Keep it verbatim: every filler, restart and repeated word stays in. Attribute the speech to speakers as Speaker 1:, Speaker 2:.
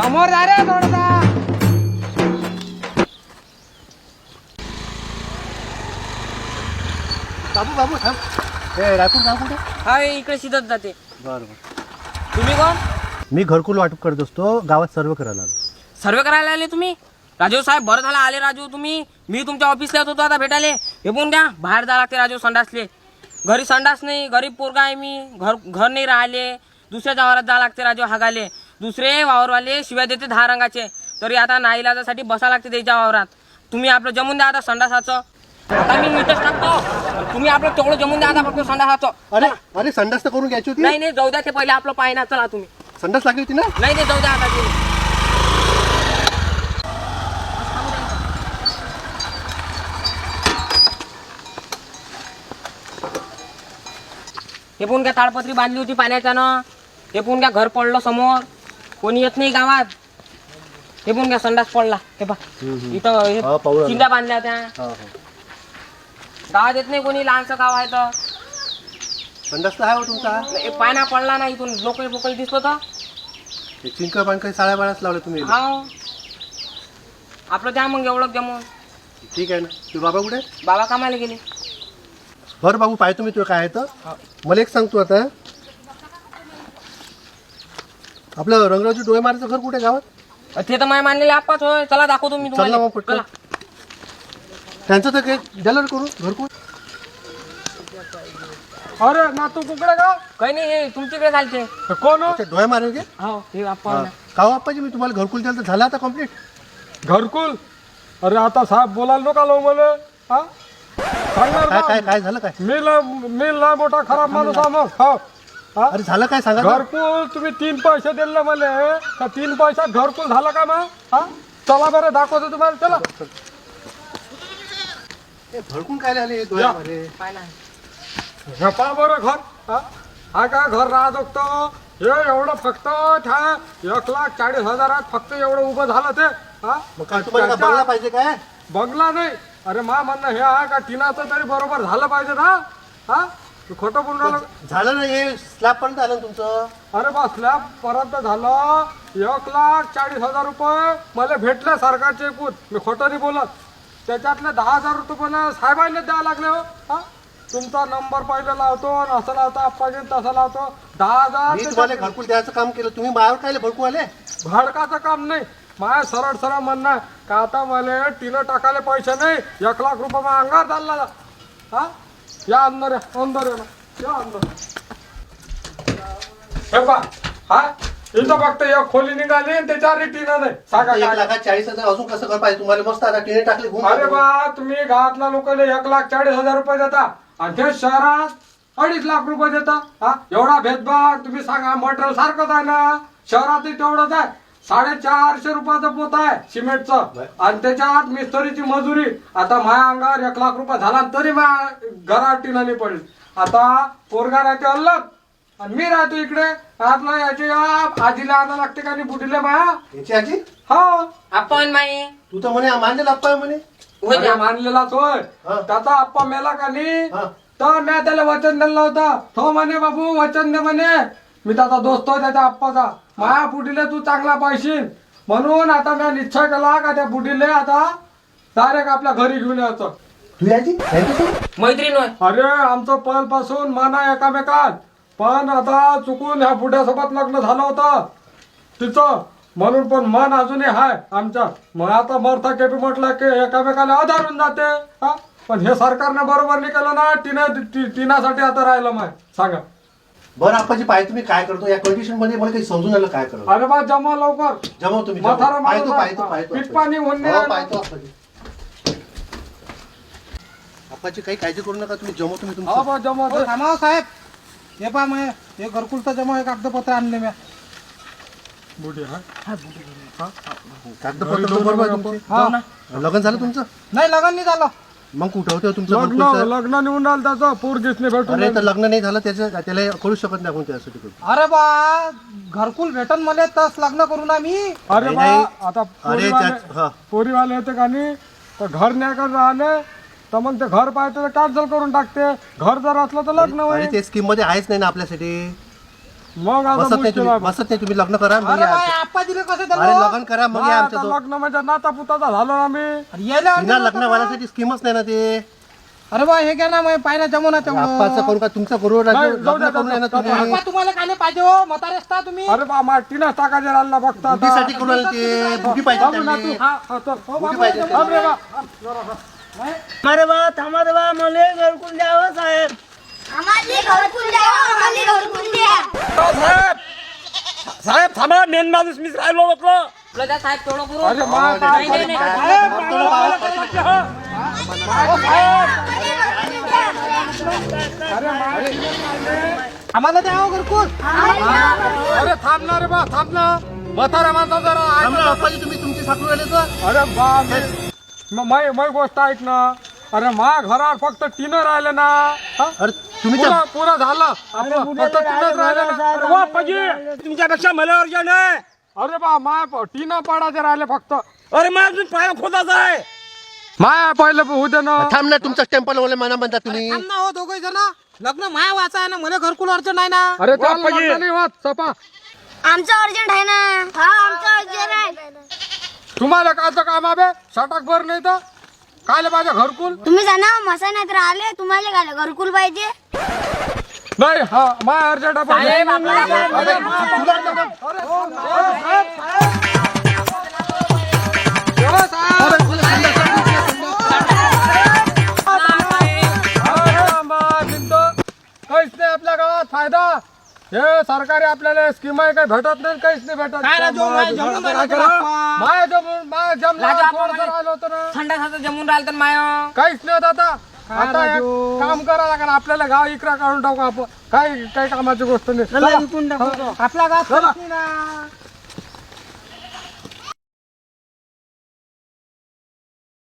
Speaker 1: समोर जा रे थोडासा.
Speaker 2: बाबू बाबू थांब. ए रायपूर गाव कुठे?
Speaker 1: हा इकडे शिदत जाते.
Speaker 2: बरं बरं.
Speaker 1: तुम्ही कोण?
Speaker 2: मी घरकुल वाटप करत असतो, गावात सर्व करायला आलो.
Speaker 1: सर्वे करायला आले तुम्ही? राजू साहेब बरं झालं आले राजू तुम्ही. मी तुमच्या ऑफिसला येत होतो आता भेटायला. हे पण द्या बाहेर जा लागते राजू संडासले. घरी संडास नाही, गरीब पोरगा आहे मी, घर घर नाही राहिले. दुसऱ्याच्या वावरात जा लागते राजू हागाले. दुसरे वावरवाले शिवाय देते दहा रंगाचे, तरी आता नाईलाजासाठी बसा लागते त्याच्या वावरात. तुम्ही आपलं जमून द्या आता संडासाचं. आता मी मीटच टाकतो, तुम्ही आपलं तेवढं जमून द्या आता फक्त संडासाचं.
Speaker 2: अरे अरे संडास तर करून घ्यायची होती.
Speaker 1: नाही नाही जाऊ द्या, ते पहिले आपलं पाहिजे. चला तुम्ही.
Speaker 2: संडास लागली होती ना?
Speaker 1: नाही नाही जाऊ द्या आता तुम्ही. हे पण काय ताडपत्री बांधली होती पाण्याच्यानं. हे पण काय घर पडलं समोर, कोणी येत नाही गावात. हे पण काय संडास पडला. हे पा इथं
Speaker 2: हा,
Speaker 1: हे
Speaker 2: पाहू लागलो.
Speaker 1: चिंध्या बांधल्या त्या.
Speaker 2: हा हा.
Speaker 1: गावात येत नाही कोणी, लहानसं गाव आहे तर.
Speaker 2: संडास तर आहे हो तुमचा.
Speaker 1: हे पाना पडला ना इथून, लोकल बोकल दिसलो तर.
Speaker 2: हे चिंक पाणकं साड्या बाळाच लावले तुम्ही.
Speaker 1: हा आपलं द्या मग एवढं जमून.
Speaker 2: ठीक आहे ना. तू बाबा कुठे?
Speaker 1: बाबा कामाला गेले.
Speaker 2: बरं बाबू पाहतो मी तुला काय आहे तर. मला एक सांगतो आता, आपलं रंगरावजी डोळे मारायचं घर कुठे गावात?
Speaker 1: ते तर माय मानलेले आप्पाच होय. चला दाखवतो मी
Speaker 2: चल ना
Speaker 1: तुम्हाला.
Speaker 2: मग पटकन.
Speaker 1: चला.
Speaker 2: त्यांचं तर काही द्यायला करू घरकुल.
Speaker 3: अरे ना तू कुकडे का?
Speaker 1: काही नाही, हे तुमच्याकडे चालते.
Speaker 3: कोण
Speaker 2: अच्छा, डोळे मारेल गे?
Speaker 1: हो हे आप्पा ना.
Speaker 2: का हो आप्पाजी, मी तुम्हाला घरकुल द्यायला तर झालं आता कम्प्लीट.
Speaker 3: घरकुल? अरे आता साहेब बोलायला नका लो मला. हा सांगणार
Speaker 2: काय
Speaker 3: ना.
Speaker 2: काय काय झालं काय?
Speaker 3: मी लय मी लय मोठा खराब माणूस आहे मग. हो हा?
Speaker 2: अरे झालं काय सांगा ना.
Speaker 3: घरकुल तुम्ही तीन पैसे दिले मला, तर तीन पैशात घरकुल झालं का मग? हा चला बरं दाखवतो तुम्हाला. चला
Speaker 2: हे भडकून काय आले हे डोळे मारे?
Speaker 1: पाय ना.
Speaker 3: हे पहा बरं घर. हा हा काय घर राहत होतं हे एवढं फक्त त्या एक लाख चाळीस हजारात फक्त एवढं उभं झालं ते. हा
Speaker 2: मग काय तुम्हाला का बंगला पाहिजे काय?
Speaker 3: बंगला नाही. अरे मा म्हणणं हे आहे का टिनाचं तरी बरोबर झालं पाहिजे ना. हा तू खोटं बोलून राहिलं.
Speaker 2: झालं ना, हे स्लॅब पर्यंत आलं ना तुमचं.
Speaker 3: अरे बा स्लॅब पर्यंत झालं. एक लाख चाळीस हजार रुपये मला भेटले सरकारचे एकूण. मी खोटं नाही बोलत. त्याच्यातले दहा हजार रुपये पण साहेबांना द्यावं लागले हो. हा तुमचा नंबर पहिले लावतो आणि असं लावतो आप्पाजी तसं लावतो. दहा
Speaker 2: मी तुम्हाला
Speaker 3: हजार
Speaker 2: घरकुल द्यायचं काम केलं, तुम्ही मायावर काय भडकू आले?
Speaker 3: भाडकाचं काम नाही. माझ्या सरळ सरळ म्हणणं आहे का आता मला टिनं टाकायला पैसे नाही. एक लाख रुपये मग अंगार चालला. हा या अंदर या अंदर या ना. या अंदर. हे पा हा इथं फक्त एक खोली निघाली आणि त्याच्यावर टिनं नाही. सांगा
Speaker 2: एक
Speaker 3: काय?
Speaker 2: लाखात चाळीस हजार अजून कसं घर पाहिजे तुम्हाला? मस्त आता टिने टाकले घुम.
Speaker 3: अरे बा तुम्ही गावातल्या लोकांना एक लाख चाळीस हजार रुपये देता आणि ते शहरात अडीच लाख रुपये देता. हा एवढा भेदभाव तुम्ही सांगा. मटेरियल सारखंच आहे ना. शहरातही तेवढंच आहे. साडेचारशे रुपयाचं पोत आहे सिमेंटचं आणि त्याच्यात मिस्त्रीची मजुरी. आता माझ्या अंगावर एक लाख रुपये झाला तरी माझ्या घरात टिना नाही पडली. आता पोरगा राहते अलग आणि मी राहतो इकडे. आपलं याची आजीला आणा लागते का नाही बुडीले माया.
Speaker 2: याची आजी?
Speaker 3: हो
Speaker 1: आपण माई
Speaker 2: तू तर म्हणे मानलेला अप्पा आहे म्हणे.
Speaker 1: होय
Speaker 3: अरे
Speaker 1: द्या.
Speaker 3: मानलेलाच होय.
Speaker 2: हा.
Speaker 3: त्याचा आप्पा मेला का नाही
Speaker 2: हा.
Speaker 3: तर मी त्याला वचन दिलं होतं. तो म्हणे बाबू वचन दे म्हणे. मी त्याचा दोस्त होय त्याच्या आप्पाचा. माया बुडीले तू चांगला पाहिशील म्हणून आता मी निश्चय केला का त्या बुडीले आता डायरेक्ट आपल्या घरी घेऊन यायचं.
Speaker 2: तू याची यांच्यासोबत?
Speaker 1: मैत्रीण होय.
Speaker 3: अरे आमचं पहिल्यापासून मन आहे एकामेकात. पण आता चुकून ह्या बुड्यासोबत लग्न झालं होतं तिचं, म्हणून पण मन अजूनही आहे आमच्या. मग आता मरता केपी म्हटलं की एकामेकाला आधारून जाते. हा पण हे सरकारने बरोबर नाही केलं ना. टिना टिनासाठी आता राहिलं माय. सांगा
Speaker 2: बरं आप्पाजी, पाहिजे तुम्ही काय करतो या कंडिशन मध्ये? मला काही समजून आलं काय करतो.
Speaker 3: अरे बा जमा लवकर.
Speaker 2: जमाव तुम्ही.
Speaker 3: म्हातारा
Speaker 2: जमाव.
Speaker 3: माणूस
Speaker 2: पाहतो
Speaker 3: आहे.
Speaker 2: पाहतो पाहतो
Speaker 3: पीठ पाणी होऊन
Speaker 2: हो,
Speaker 3: नाही
Speaker 2: पाहतो आप्पाजी. आप्पाजी काही काळजी करू नका तुम्ही. जमव तुम्ही
Speaker 3: हा
Speaker 2: तुमचं.
Speaker 3: बा जमा दे.
Speaker 4: थांबा साहेब. हे पहा मी हे घरकुलचं जमा हे कागदपत्र आणले मी.
Speaker 3: बुडी हा
Speaker 2: कागदपत्र तर बरोबर आहे तुमचे.
Speaker 4: हा.
Speaker 2: लग्न झालं तुमचं?
Speaker 4: नाही लग्न नाही झालं.
Speaker 2: मग कुठं होतं तुमचं
Speaker 3: लग्न
Speaker 2: घरकुलचं?
Speaker 3: लग्न निघून राहिलं त्याचं पोरगीच नाही भेटून
Speaker 2: अरे तर लग्न नाही झालं त्याचं, त्याला करू शकत नाही आपण त्यासाठी करू.
Speaker 4: अरे बा घरकुल भेटन मला तस लग्न करू ना मी.
Speaker 3: अरे
Speaker 2: नाही,
Speaker 3: बा
Speaker 2: नाही.
Speaker 3: आता
Speaker 2: अरे
Speaker 3: पोरीवाले
Speaker 2: त्यात- हा.
Speaker 3: पोरीवाले येते का नाही तर घर नाही कर राहिले तर मग ते घर पाहिजे तर कॅन्सल करून टाकते. घर जर असलं तर लग्न
Speaker 2: अरे
Speaker 3: होईल.
Speaker 2: ते स्कीम मध्ये आहेच नाही ना आपल्यासाठी.
Speaker 3: मग आता
Speaker 2: बसत नाही
Speaker 3: मुश्किल
Speaker 2: तुम्ही
Speaker 3: आहे.
Speaker 2: बसत नाही तुम्ही लग्न करा मग
Speaker 4: अरे
Speaker 2: या
Speaker 4: बा,
Speaker 2: आमच्या-
Speaker 4: आप्पा दिले कसं
Speaker 2: अरे
Speaker 4: त्याला
Speaker 2: लग्न करा मग
Speaker 3: मग
Speaker 2: या
Speaker 3: आता
Speaker 2: आमच्या दो-
Speaker 3: लग्न म्हणजे नाता पुताचा झालो ना मी
Speaker 4: अरे यायला
Speaker 2: बिना
Speaker 4: आणलं
Speaker 2: लग्न
Speaker 4: होतं
Speaker 2: वाल्यासाठी स्कीमच नाही ना ते
Speaker 4: का? अरे बा हे घ्या ना मग पाहिजे जमून
Speaker 2: आप्पाचं करू का तुमचं करू
Speaker 3: नाही,
Speaker 2: राजू
Speaker 3: जाऊ
Speaker 2: लग्न
Speaker 3: द्या,
Speaker 2: करून आहे ना
Speaker 3: जाऊ द्या.
Speaker 2: तुम्ही
Speaker 4: आप्पा तुम्हाला काय पाहिजे हो म्हातारे असता तुम्ही
Speaker 3: अरे बा मा टीना टाकायचे राहिला बघता आता.
Speaker 2: बुद्धीसाठी करू राहिले ते बुद्धी पाहिजे
Speaker 3: थांब ना
Speaker 2: त्यांनी.
Speaker 3: तू. हा, हा, चल. हो,
Speaker 2: बुद्धी
Speaker 3: बाबा,
Speaker 2: पाहिजे
Speaker 3: थांब रे बा.
Speaker 5: अरे बा थांबा रे बा मला घरकुल द्यावं साहेब.
Speaker 6: आम्हाला घरकुल द्या आम्हाला घरकुल द्या
Speaker 3: साहेब साहेब थांबा मेन माणूस मीच राहिलो म्हटलं
Speaker 1: आपलं त्या साहेब थोडं करू
Speaker 3: अरे मा
Speaker 1: नाही, नाही, नाही.
Speaker 4: आम्हाला द्या हो घरकुल
Speaker 3: अरे थांब ना रे बा थांब ना म्हाताऱ्या माणसा जरा ऐक
Speaker 2: थांब
Speaker 3: ना.
Speaker 2: ना, आप्पाजी तुम्ही तुमची साखरू राहिले तर
Speaker 3: अरे बा मी मै मै गोष्ट ऐक ना अरे मा घरावर फक्त टीनं राहिले ना हा?
Speaker 2: अरे तुम्ही त्या-
Speaker 3: पुरं पुरं झालं आपलं फक्त टीनच राहिले ना अरे वा पजी तुमच्यापेक्षा मला अर्जंट आहे अरे बा माय टीनं पाडायचे राहिले फक्त अरे माय अजून पाया खोदाच आहे माया पहिलं होऊ दे ना
Speaker 2: थांब ना तुमचं टेम्पल वाले मना म्हणता तुम्ही
Speaker 4: थांब ना हो दोघे जण लग्न माया वाचा आहे ना मला घरकुल अडचण नाही ना
Speaker 3: अरे त्या लग्न नाही होत सपा
Speaker 6: आमचं अर्जंट आहे ना हा आमचं अर्जंट आहे
Speaker 3: तुम्हाला कायचं काम आहे सटाक भर नाही तर कायले पाहिजे घरकुल
Speaker 6: तुम्ही जाणा मसा नाही तर आले तुम्हाला काय घरकुल पाहिजे
Speaker 3: नाही हा माय अर्जंट आहे पण.
Speaker 1: साहेब, आपल्याला-
Speaker 3: अरे, तुला तर- हो, साहेब. अरे, मा, बिंदू. काहीच नाही आपल्या गावात फायदा हे सरकारी आपल्याला स्कीम आहे काही भेटत नाही काहीच नाही भेटत
Speaker 4: काय राजू, माय जमून
Speaker 3: काय
Speaker 4: राहिलं
Speaker 3: करा?
Speaker 4: बाप्पा.
Speaker 3: माय जमून माय जमला
Speaker 1: राजू, आपण
Speaker 3: थोडंसं
Speaker 1: मागे-
Speaker 3: राहिलं होतं ना
Speaker 1: संडासाचं जमून राहिलं तर माय
Speaker 3: काहीच नाही होत आता आता एक
Speaker 4: राजू?
Speaker 3: काम करा लागेल आपल्याला गाव इकरा काढून टाकू आपण काही काही कामाची गोष्ट नाही
Speaker 5: चला
Speaker 3: चला.
Speaker 5: विकून टाकू.
Speaker 3: हो.
Speaker 4: आपला गाव
Speaker 3: चला.
Speaker 4: ना